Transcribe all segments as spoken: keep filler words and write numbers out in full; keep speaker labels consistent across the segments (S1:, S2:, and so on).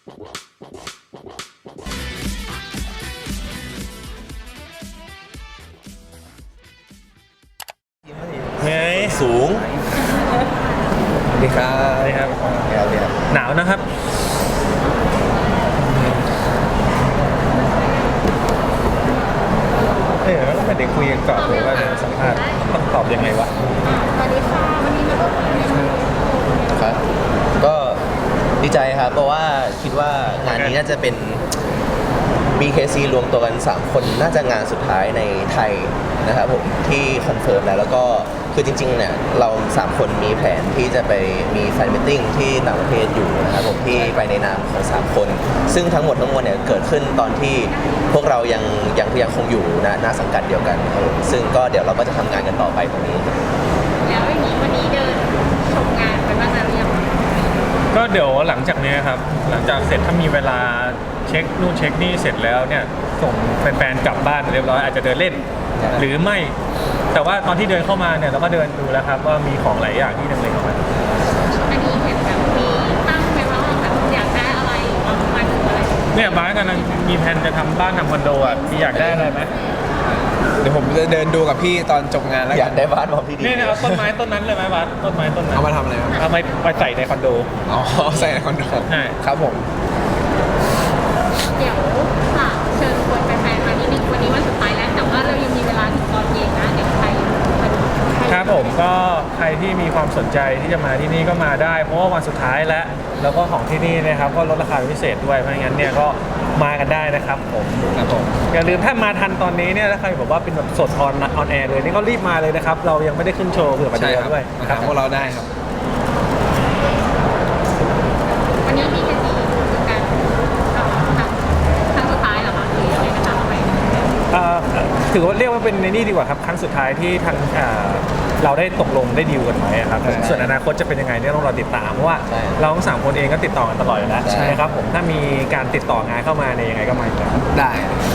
S1: ไง
S2: สูงดีครับ
S1: ดีครับ
S2: ดีครับ
S1: หนาวนะครับเฮ้ยแล้วไม่ได้คุยกันก่อนเลยว่าจะสัมภาษณ์ต้องตอบยังไงวะ
S3: สวัสดีค่ะวันนี้มาร่วมงานในวันนี้
S2: ครับก็ดีใจครับเพราะว่าคิดว่างานนี้น่าจะเป็น บี เค ซี รวมตัวกันสามคนน่าจะงานสุดท้ายในไทยนะครับผมที่คอนเฟิร์มแล้วแล้วก็คือจริงๆเนี่ยเราสามคนมีแผนที่จะไปมีแฟนมิทติ้งที่ต่างประเทศอยู่นะครับผมที่ไปในนามของสามคนซึ่งทั้งหมดทั้งมวลเนี่ยเกิดขึ้นตอนที่พวกเรายังยังยังคงอยู่นะหน้าสังกัดเดียวกันครับผมซึ่งก็เดี๋ยวเราก็จะทำงานกันต่อไปตรงนี้
S3: แล้วอย่างนี้วันนี้เดินชมงานไปบ้างแล้วหรือยัง
S1: ก็เดี๋ยวหลังจากนี้ครับหลังจากเสร็จถ้ามีเวลาเช็คนู่นเช็คนี่เสร็จแล้วเนี่ยส่งแฟนๆกลับบ้านเรียบร้อยอาจจะเดินเล่นหรือไม่แต่ว่าตอนที่เดินเข้ามาเนี่ยเราก็เดินดูแล้วครับว่ามีของหลายอย่างที่นำเลยเข้ามา
S3: อันนี้เห็นแบบมีตั้งไหมว่าแบบอยากได้อะไรบางวันอะไร
S1: เนี่ยบ้านกำลังมีแผนจะทำบ้านทำคอนโดอ่ะพี่อยากได้อะไรไหม
S4: เดี๋ยวผมจะเดินดูกับพี่ตอนจบงานแล้ว
S2: อยากได้บ้านพร้อมที่ดี
S1: นี่เนี่ยเอาต้นไม้ต้นนั้นเลยไหมบ้านต้นไม้ต้นนั้น
S4: เอามาทำอะไรครับ
S1: เอาไปไปใส่ในคอนโด
S4: อ๋อใส่ในคอนโด
S1: ใช่
S4: ครับผม
S3: เดี๋ยวฝากเชิญชวนแฟนๆมานิดนึงวันนี้วันสุดท้ายแล้วแต่ว่าเรายังมีเวลาถึงตอนเย็นนะเดี๋ยวใคร
S1: ครับผมก็ใครที่มีความสนใจที่จะมาที่นี่ก็มาได้เพราะว่าวันสุดท้ายแล้วแล้วก็ของที่นี่นะครับก็ลดราคาพิเศษด้วยเพราะงั้นเนี่ยก็มากันได้นะครับผม
S4: ครับผม
S1: อย่าลืมถ้ามาทันตอนนี้เนี่ยถ้าใครบอกว่าเป็นแบบสดออนออนแอร์เลยนี่ก็รีบมาเลยนะครับเรายังไม่ได้ขึ้นโชว์เผื่อมาดูด้วย
S4: ครับพวกเราได้ครับ
S3: วันนี้มีกันดีคือการครั้งสุดท้ายเหรอคะหรือยังไงนะคะไป
S1: ถือว่าเรียกว่าเป็นในนี่ดีกว่าครับครั้งสุดท้ายที่ทางเราได้ตกลงได้ดีลกันไว้ครับส่วนอนาคตจะเป็นยังไงเนี่ยต้องรอติดตามเพราะว่าเราทั้งสามคนเองก็ติดต่อกันตลอดอยู่แล้วนะครับผมถ้ามีการติดต่องานเข้ามาเนี่ยยังไงก็มาอยู่แล้ว
S4: ได้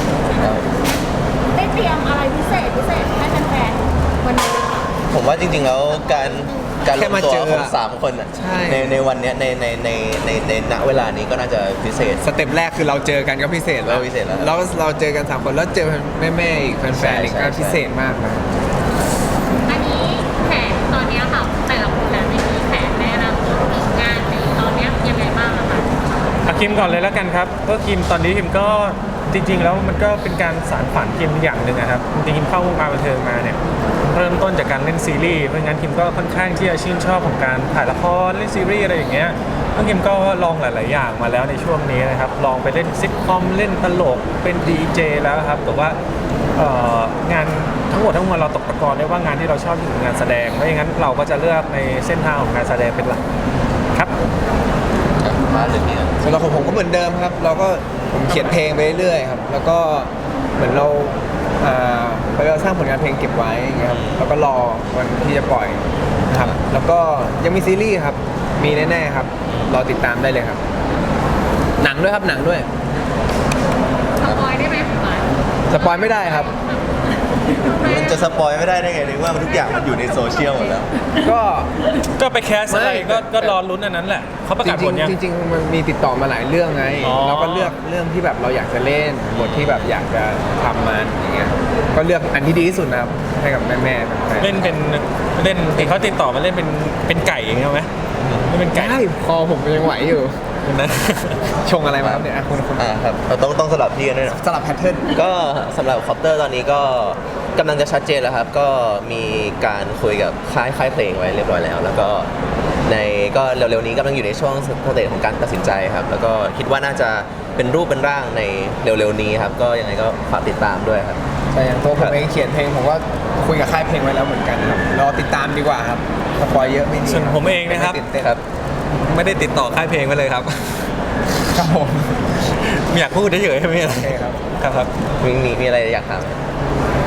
S3: ได้เตรียมอะไรพิเศษพิเศษให้แฟนๆวันนี้
S2: ผมว่าจริงๆแล้วการการรวมตัวของสามคนในในวันนี้ในในในในในณเวลานี้ก็น่าจะพิเศษ
S4: สเต็ปแรกคือเราเจอกันก็พิเศษแล้ว
S2: พิเศษแล้ว
S4: แล้วเราเจอกันสามคนแล้วเจอแม่ๆอีกแฟนๆอีกก็พิเศษมากนะ
S3: อันนี้แผนตอนนี้ค่ะแต่ละคนแล้วมีแผนในอนาคตงานในตอนนี้ยังไงบ้างคะ
S1: อาคิมก่อนเลยแล้วกันครับก็คิมตอนนี้คิมก็จริงๆแล้วมันก็เป็นการสานฝันคิมอย่างหนึ่งนะครับจริงๆคิมเข้าวงการบันเทิงมาเนี่ยเริ่มต้นจากการเล่นซีรีส์เพราะงั้นคิมก็ค่อนข้างที่จะชื่นชอบของการถ่ายละครเล่นซีรีส์อะไรอย่างเงี้ยแล้วคิมก็ลองหลายๆอย่างมาแล้วในช่วงนี้นะครับลองไปเล่นซิทคอมเล่นตลกเป็นดีเจแล้วครับแต่ว่างานทั้งหมดทั้งมวลเราตกตะกอนได้ว่างานที่เราชอบคืองานแสดงเพราะงั้นเราก็จะเลือกในเส้นทางของการแสดงเป็นหลักครับ
S2: มาเลยเนี่ย
S4: สำหรับผมก็เหมือนเดิมครับเราก็ผมเขียนเพลงไปเรื่อยๆครับแล้วก็เหมือนเราไปเราสร้างผลงานเพลงเก็บไว้อย่างเงี้ยครับแล้วก็รอวันที่จะปล่อยนะครับแล้วก็ยังมีซีรีส์ครับมีแน่ๆครับรอติดตามได้เลยครับหนังด้วยครับหนังด้วย
S3: สปอยได้ไหม
S4: สปอยไม่ได้ครับ
S2: มันจะสปอยไม่ได้ได้ไงนึกว่ามันทุกอย่างมันอยู่ในโซเชียลหมดแล้ว
S4: ก็
S1: ก็ไปแคสอะไรก็ก็รอลุ้นอันนั้นแหละเขาประกาศผลยัง
S4: จริงๆมันมีติดต่อมาหลายเรื่องไงเราก็เลือกเรื่องที่แบบเราอยากจะเล่นบทที่แบบอยากจะทำมันอย่างเงี้ยก็เลือกอันที่ดีที่สุดนะครับให้กับแม่ๆ
S1: เล่นเป็นเล่นเขาติดต่อมาเล่นเป็นเป็นไก่อย่างเงี้ยไหมไม่เป็นไก่
S4: คอผมยังไหวอยู่
S1: นะ
S4: ชงอะไรมาครับเนี่ยคุณคุณ
S2: อ่าครับเราต้องต้องสลับที่กันด้วยนะ
S4: สลับแพทเทิร์น
S2: ก็สำหรับคอปเตอร์ตอนนี้ก็กำลังจะชัดเจนแล้วครับก็มีการคุยกับค่ายค่ายเพลงไว้เรียบร้อยแล้วแล้วก็ในก็เร็วๆนี้กำลังอยู่ในช่วงสเตจของการตัดสินใจครับแล้วก็คิดว่าน่าจะเป็นรูปเป็นร่างในเร็วๆนี้ครับก็ยังไงก็ฝากติดตามด้วยครับ
S4: แต่อย่างตัวผมเองเขียนเพลงผมก็คุยกับค่ายเพลงไว้แล้วเหมือนกันครับรอติดตามดีกว่าครับสปอยเยอะไม่ดี
S1: ส่วนผมเองนะครับ
S2: ครับ
S1: ไม่ได้ติดต่อค่ายเพลงไปเลยครับ
S4: ครับผม
S1: ไม่อยากพูดเฉยๆไม่มีอะไร
S4: ครับ
S1: ครับครับ
S2: มีมีมีอะไรอยากถาม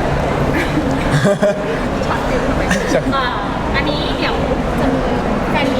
S3: อันนี้เดี๋ยวจะมีแฟนมิตรต่างประเท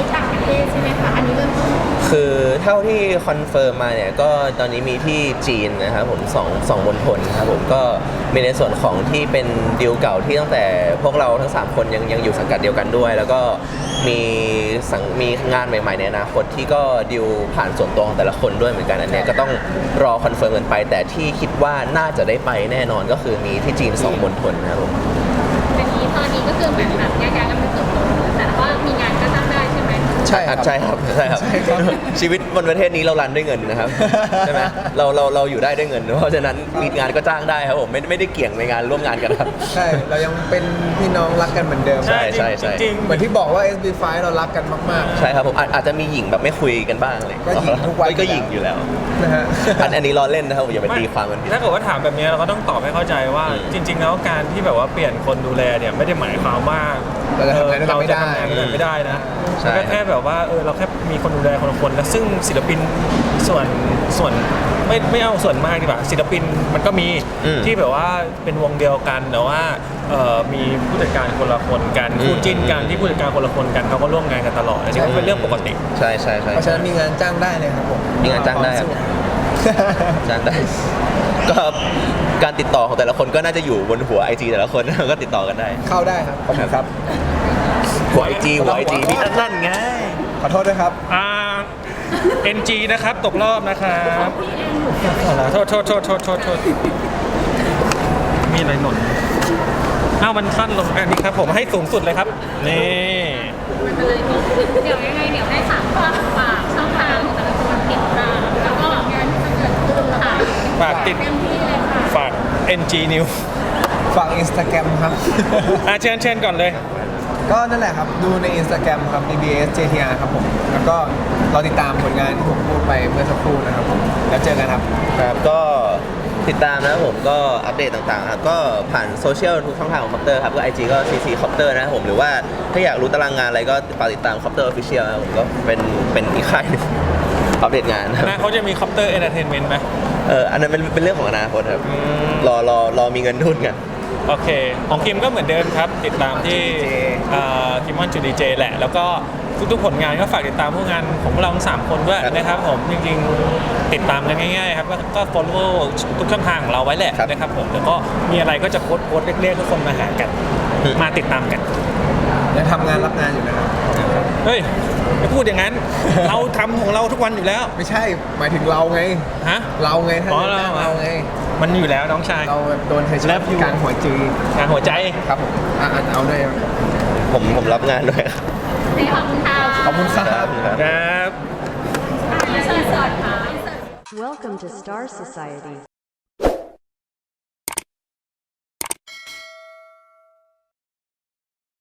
S3: เทศใช่ไหมคะอันนี้เริ่มต้น
S2: คือเท่าที่คอนเฟิร์มมาเนี่ยก็ตอนนี้มีที่จีนนะครับผมสองสองมณฑลครับผมก็มีในส่วนของที่เป็นดีลเก่าที่ตั้งแต่พวกเราทั้งสามคนยังยังอยู่สังกัดเดียวกันด้วย แล้วก็มีสังมีงานใหม่ๆในอนาคตที่ก็ดีลผ่านส่วนตัวของแต่ละคนด้วยเหมือนกันอันเนี้ยก็ต้องรอคอนเฟิร์มกันไป แต่ที่คิดว่าน่าจะได้ไปแน่นอนก็คือมีที่จีนสองมณฑลนะครับผม
S3: อันนี้ตอนนี้ก็คือเหมือนแบบแยกย้ายกันไปเติบโตแต่ว่ามีงานก็จ้างได้ใช่ไหม
S4: ใช่ครับ
S2: ใช่ครับใช่ครับ
S4: ใช่ครับ
S2: ชีวิตบนประเทศนี้เรารันด้วยเงินนะครับ ใช่ไหมเราเราเราอยู่ได้ด้วยเงิน เพราะฉะนั้นมีงานก็จ้างได้ครับผมไม่ไม่ได้เกี่ยงในงานร่วมงานกันครับ
S4: ใช่ เรายังเป็นพี่น้องรักกันเหมือนเดิม
S2: ใช่ใช่ใช่
S1: จริง
S4: เหมือนที่บอกว่า เอส บี ไฟว์ เรารักกันมาก
S2: ใช่ครับผมอาจอาจจะมีหญิงแบบไม่คุยกันบ้างเลย
S4: ก็หญิงทุกวัน
S2: ก็หญิงอยู่แล้ว
S4: ๆนะฮะ
S2: อันอันนี้ล้อเล่นนะครับอย่าไปตีความกันผิด
S1: ถ้าเกิดว่าถามแบบนี้เราก็ต้องตอบให้เข้าใจว่า
S2: อืม
S1: จริง ๆ แล้วการที่แบบว่าเปลี่ยนคนดูแลเนี่ยไม่ได้หมายความว่า
S4: เราจะทำงานด้วยกันไม่ได้
S1: เราจะทำงานด้วยกันไม่ได้นะ
S2: ใช่
S1: มันก็แค่แบบว่าเออเราแค่มีคนดูแลคนละคนแล้วซึ่งศิลปินส่วนส่วนไม่ไม่เอาส่วนมากดีกว่าศิลปินมันก็มี
S2: อืม
S1: ที่แบบว่าเป็นวงเดียวกันแต่ว่าเอ่อมีผู้จัดการคนละคนกัน
S2: อืม
S1: คู่จิ้นกันที่ผู้จัดการคนละคนกันเขาก็ร่วมงานกันตลอดอันนี้ก็เป็นเรื่องปกติ
S2: ใช่ใช่ใช่
S4: เพราะฉะนั้นมีงานจ้างได้เลยครับผม
S2: มีงานจ้างได้ครับ จ้างได้ ก็การติดต่อของแต่ละคนก็น่าจะอยู่บนหัวไอจีแต่ละคน ก็ติดต่อกันได้
S4: เข้าได้ครับ ขอบคุณครับ
S2: หัวไอจีหัวไอจีนี่นั่นไง
S4: ขอโทษด้วยครับ
S1: อ่า เอ็น จี นะครับตกรอบนะครับโทษโทษโทษโทษโทษโทษมีอะไรหล่นอ้าวมันสั้นลงอันนี้ครับผมให้สูงสุดเลยครับ นี่
S3: มันเลยเดี๋ยวยังไงเดี๋ยวให้สามฝากฝากช่องทางของแต่ละคนติดตามแล้วก็งานที่จะเกิดขึ้นค่ะ
S1: ฝากติด
S3: เต็มที่เลยค่ะ
S1: ฝาก เอ็น จี News
S4: ฝาก Instagram ครับ
S1: อ่ะเชิญเชิญก่อนเลย
S4: ก็นั่นแหละครับ ดูใน Instagram ครับ บี บี เอส เจ ที อาร์ ครับผม แล้วก็รอติดตามผลงานที่ผมพูดไปเมื่อสักครู่นะครับผม แล้วเจอกันครับ
S2: ครับก็ติดตามนะครับผมก็อัปเดตต่างๆครับก็ผ่านโซเชียลทุกช่องทางของคอปเตอร์ครับก็ ไอ จี ก็ ซี ซี คอปเตอร์นะครับผมหรือว่าถ้าอยากรู้ตารางงานอะไรก็ฝากติดตามคอปเตอร์ออฟฟิเชียลนะครับผมก็เป็นเป็นอีกค่ายหนึง อัปเดตงานนะครับ
S1: นะเขาจะมีคอปเตอร์เอนเตอร์เทนเมนต์ไหม
S2: เอออันนั้นเป็นเป็นเรื่องของอนาคตครับ
S1: อืม
S2: รอรอรอมีเงินทุนกัน
S1: โอเค ของคิมก็เหมือนเดิมครับ ติดตามที่
S4: Judy J
S1: คิมมอนจูดีเจแหละ แล้วก็ทุกๆผลงานก็ฝากติดตามพวกงานของพวกเราทั้งสามคนด้วย
S2: ครับ
S1: นะครับผมจริงๆติดตามกันง่ายๆครับก็ก็ follow ทุกช่องทางของเราไว้แหละ
S2: ครับ
S1: นะครับผมแล้วก็มีอะไรก็จะโพสต์โพสต์เรียกๆทุกคนมาหากัน
S2: อืม
S1: มาติดตามกัน
S4: ยังทำงานรับงานอยู่นะครับ
S1: เฮ้ยไม่พูดอย่างนั้น เราทำของเราทุกวันอยู่แล้ว
S4: ไม่ใช่ หมายถึงเราไง
S1: ฮะ
S4: เราไงถ้า
S1: อ๋อ
S4: จะจ้าง
S1: เรา
S4: เราไง
S1: มันอยู่แล้วน้องชาย
S4: เราแบบโดนเธอช
S1: แล้
S4: อบ
S1: วอยู่
S4: กลางหัวจี
S1: งานหัวใจ
S4: ครับผมอ่ะอ่ะเอาด้วย
S2: ผมผมรับงานด้วยครับ
S3: ในขอบคุณค่ะ
S4: ขอบคุณครั
S2: ครับ บครับ
S1: ครับ
S3: อินเสิร์ตค่ะ
S5: Welcome to Star Society.